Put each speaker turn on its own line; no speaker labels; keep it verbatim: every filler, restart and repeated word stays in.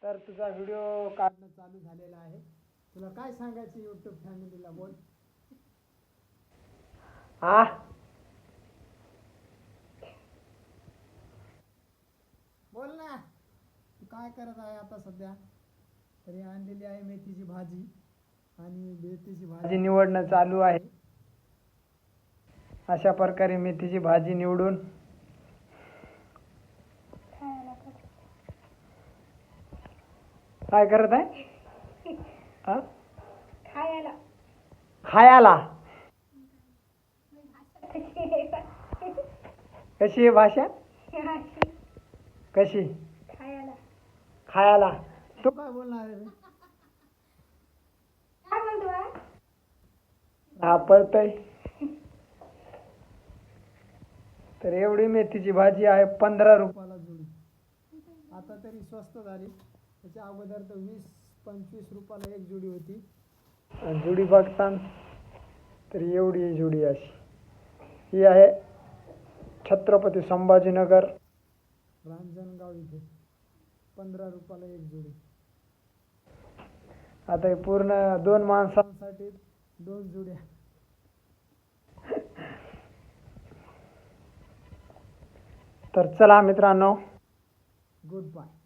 तर तुझा व्हिडिओ काढणं चालू झालेला आहे. तुला काय सांगायचं यूट्यूब फॅमिलीला बोल. हा बोल ना, तू काय करत आहे आता सध्या? तरी आणलेली आहे मेथीची भाजी आणि मेथीची भाजी निवडणं चालू आहे. अशा प्रकारे मेथीची भाजी निवडून काय करत आहे? हा?
खायला
खायाला. कशी आहे भाषा? कशी?
खायला
खायाला. तू काय बोलणार आहे रे?
काय बोलतोय?
हा पळतय. तर एवढी मेथीची भाजी आहे पंधरा रुपयाला जुडी. आता तरी स्वस्त झाली. त्याच्या अगोदर तर वीस पंचवीस रुपयाला एक जुडी होती. आणि जुडी बघता तर एवढी जुडी अशी. ही आहे छत्रपती संभाजीनगर रांजणगाव इथे पंधरा रुपयाला एक जुडी. आता हे पूर्ण दोन माणसांसाठी दोन जुड्या. तर चला मित्रांनो, गुड बाय.